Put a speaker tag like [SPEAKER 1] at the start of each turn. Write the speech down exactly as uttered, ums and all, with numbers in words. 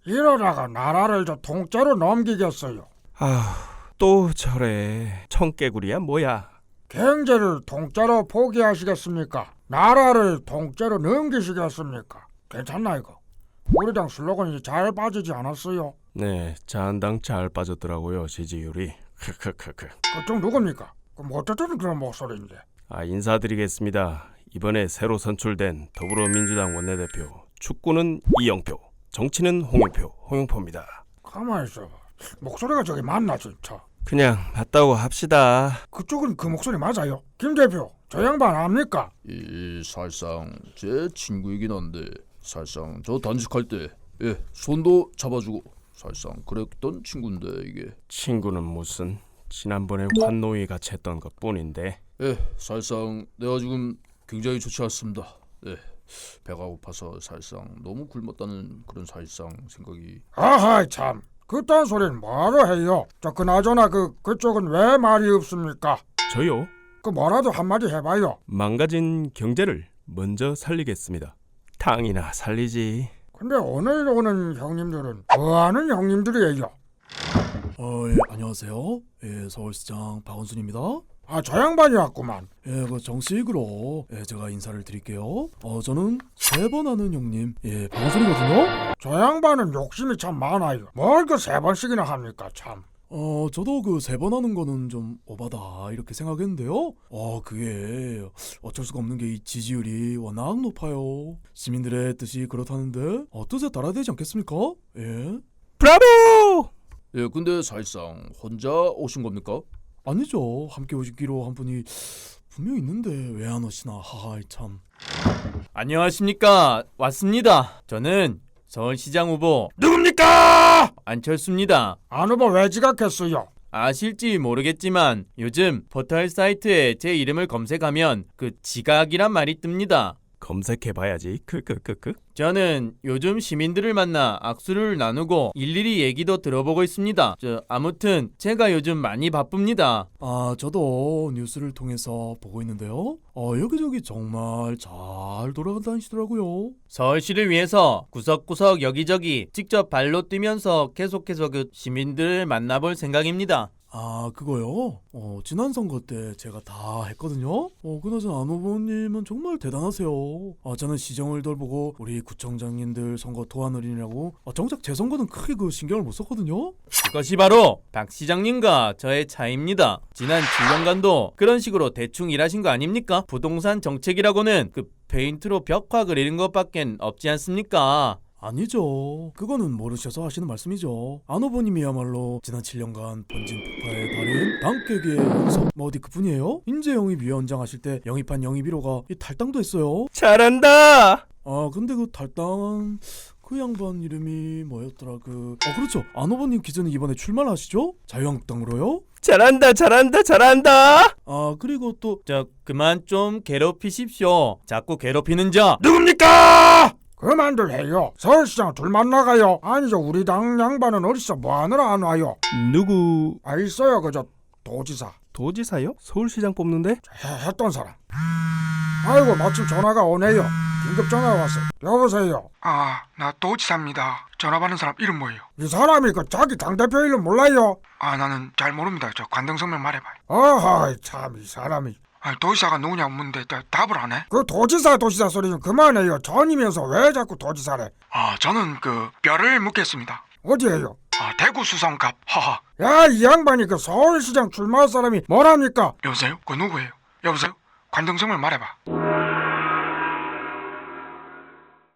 [SPEAKER 1] 이러다가 나라를 저 통째로 넘기겠어요.
[SPEAKER 2] 아, 또 저래. 청개구리야 뭐야?
[SPEAKER 1] 경제를 통째로 포기하시겠습니까? 나라를 통째로 넘기시겠습니까? 괜찮나 이거? 우리 당 슬로건이 잘 빠지지 않았어요?
[SPEAKER 2] 네, 자한당 잘 빠졌더라고요, 지지율이. 크크크크.
[SPEAKER 1] 그쪽 누굽니까? 그럼 어쩌자는 그런 목소리인데.
[SPEAKER 2] 아, 인사드리겠습니다. 이번에 새로 선출된 더불어민주당 원내대표. 축구는 이영표, 정치는 홍영표, 홍영표입니다.
[SPEAKER 1] 가만히 있어봐. 목소리가 저기 맞나 진짜?
[SPEAKER 2] 그냥 맞다고 합시다.
[SPEAKER 1] 그쪽은 그 목소리 맞아요? 김 대표, 저 양반 압니까?
[SPEAKER 3] 이 사실상 제 친구이긴 한데 사실상 저 단식할 때 예, 손도 잡아주고 사실상 그랬던 친구인데 이게
[SPEAKER 2] 친구는 무슨 지난번에 환노위 같이 했던 것뿐인데.
[SPEAKER 3] 예, 사실상 내가 지금 굉장히 좋지 않습니다. 예, 배가 고파서 사실상 너무 굶었다는 그런 사실상 생각이.
[SPEAKER 1] 아하이 참, 그딴 소리는 뭐하러 해요? 저 그나저나 그 그쪽은 왜 말이 없습니까?
[SPEAKER 2] 저요?
[SPEAKER 1] 그 뭐라도 한마디 해봐요.
[SPEAKER 2] 망가진 경제를 먼저 살리겠습니다. 당이나 살리지.
[SPEAKER 1] 근데 오늘 오는 형님들은 뭐하는 형님들이에요?
[SPEAKER 4] 어, 예, 안녕하세요. 예, 서울시장 박원순입니다.
[SPEAKER 1] 아, 저 양반이 왔구만.
[SPEAKER 4] 예, 그 정식으로 예, 제가 인사를 드릴게요. 어, 저는 세 번 하는 형님, 예, 박원순이거든요.
[SPEAKER 1] 저 양반은 욕심이 참 많아요. 뭘 그 세 번씩이나 합니까 참.
[SPEAKER 4] 어, 저도 그 세 번 하는 거는 좀 오바다 이렇게 생각했는데요. 어, 그게 어쩔 수가 없는 게 이 지지율이 워낙 높아요. 시민들의 뜻이 그렇다는데 어, 뜻에 따라야 되지 않겠습니까? 예.
[SPEAKER 2] 브라보!
[SPEAKER 3] 예, 근데 사실상 혼자 오신 겁니까?
[SPEAKER 4] 아니죠. 함께 오시기로 한 분이 분명 있는데 왜 안 오시나. 하하 참.
[SPEAKER 5] 안녕하십니까. 왔습니다. 저는 서울시장 후보
[SPEAKER 1] 누굽니까?
[SPEAKER 5] 안철수입니다.
[SPEAKER 1] 안 후보 왜 지각했어요?
[SPEAKER 5] 아실지 모르겠지만 요즘 포털 사이트에 제 이름을 검색하면 그 지각이란 말이 뜹니다.
[SPEAKER 2] 검색해봐야지. 크크크크.
[SPEAKER 5] 저는 요즘 시민들을 만나 악수를 나누고 일일이 얘기도 들어보고 있습니다. 저 아무튼 제가 요즘 많이 바쁩니다.
[SPEAKER 4] 아, 저도 뉴스를 통해서 보고 있는데요. 어, 여기저기 정말 잘 돌아다니시더라고요.
[SPEAKER 5] 서울시를 위해서 구석구석 여기저기 직접 발로 뛰면서 계속해서 그 시민들을 만나볼 생각입니다.
[SPEAKER 4] 아, 그거요? 어, 지난 선거 때 제가 다 했거든요. 어, 그나저나 안 후보님은 정말 대단하세요. 아, 저는 시정을 돌보고 우리 구청장님들 선거 도와드리느라고 아, 정작 제 선거는 크게 그 신경을 못 썼거든요.
[SPEAKER 5] 그것이 바로 박 시장님과 저의 차이입니다. 지난 칠 년간도 그런 식으로 대충 일하신 거 아닙니까? 부동산 정책이라고는 그 페인트로 벽화 그리는 것밖엔 없지 않습니까?
[SPEAKER 4] 아니죠. 그거는 모르셔서 하시는 말씀이죠. 안 후보님이야말로 지난 칠 년간 번진 폭파의 달인 당깨기의 연속 뭐 어디 그뿐이에요? 인재 영입 위원장 하실 때 영입한 영입 일 호가 이 탈당도 했어요.
[SPEAKER 2] 잘한다.
[SPEAKER 4] 아, 근데 그 탈당한 그 양반 이름이 뭐였더라? 그 어, 그렇죠. 안 후보님 기존에 이번에 출마를 하시죠? 자유한국당으로요?
[SPEAKER 2] 잘한다. 잘한다. 잘한다.
[SPEAKER 4] 아, 그리고 또
[SPEAKER 5] 저 그만 좀 괴롭히십시오. 자꾸 괴롭히는 자
[SPEAKER 1] 누굽니까? 그만들 해요. 서울시장 둘 만나가요. 아니죠, 우리 당 양반은 어디서 뭐하느라 안 와요?
[SPEAKER 2] 누구?
[SPEAKER 1] 아, 있어요, 그저 도지사.
[SPEAKER 2] 도지사요? 서울시장 뽑는데?
[SPEAKER 1] 해, 했던 사람. 아이고, 마침 전화가 오네요. 긴급 전화가 왔어요. 여보세요.
[SPEAKER 6] 아, 나 도지사입니다. 전화 받는 사람 이름 뭐예요?
[SPEAKER 1] 이 사람이 그 자기 당대표 이름 몰라요?
[SPEAKER 6] 아, 나는 잘 모릅니다. 저 관등성명 말해봐요.
[SPEAKER 1] 어허, 참 이 사람이.
[SPEAKER 6] 아, 도지사가 누구냐고 묻는데 다- 답을 안 해?
[SPEAKER 1] 그 도지사 도지사 소리 좀 그만해요. 전이면서 왜 자꾸 도지사래?
[SPEAKER 6] 아, 저는 그 뼈를 묻겠습니다.
[SPEAKER 1] 어디에요?
[SPEAKER 6] 아, 대구 수성갑. 하하.
[SPEAKER 1] 야, 이 양반이 그 서울시장 출마할 사람이 뭐랍니까?
[SPEAKER 6] 여보세요? 그 누구예요? 여보세요? 관등성명 말해봐.